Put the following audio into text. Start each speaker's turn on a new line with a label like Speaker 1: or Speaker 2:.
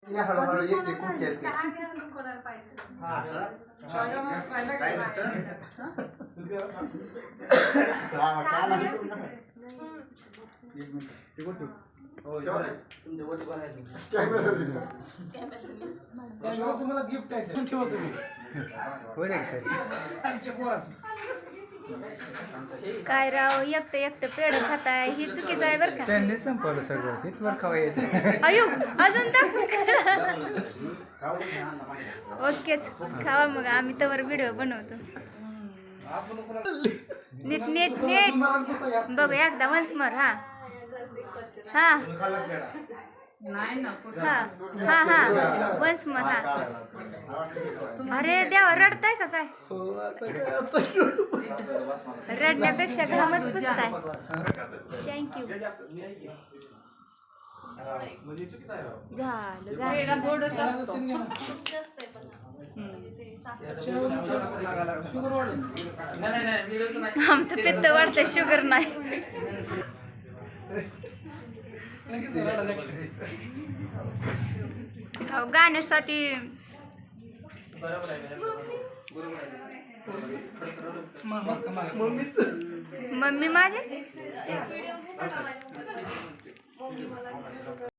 Speaker 1: या हळूहळू एक एक उचलते.
Speaker 2: तुम्हाला गिफ्ट आहे ठेवा तुम्ही
Speaker 3: काय राव एकटं एकटं पेढ खाताय ही चुकीचं आहे बरं का.
Speaker 1: त्यांनी संपवलं सगळं इथवर खावायचं.
Speaker 3: अयो अजून दाखव. ओकेच खावा मग आम्ही तवर व्हिडिओ बनवतो. नीट नीट नीट बघू एकदा वन्स मोर. हा हा हा हा हा वन्स मोर. हा अरे देवा रडताय का काय. रडण्यापेक्षा घामच पुसताय. थँक्यू आमचं पित्त वाढतंय शुगर नाही. गाण्यासाठी मम्मी माझे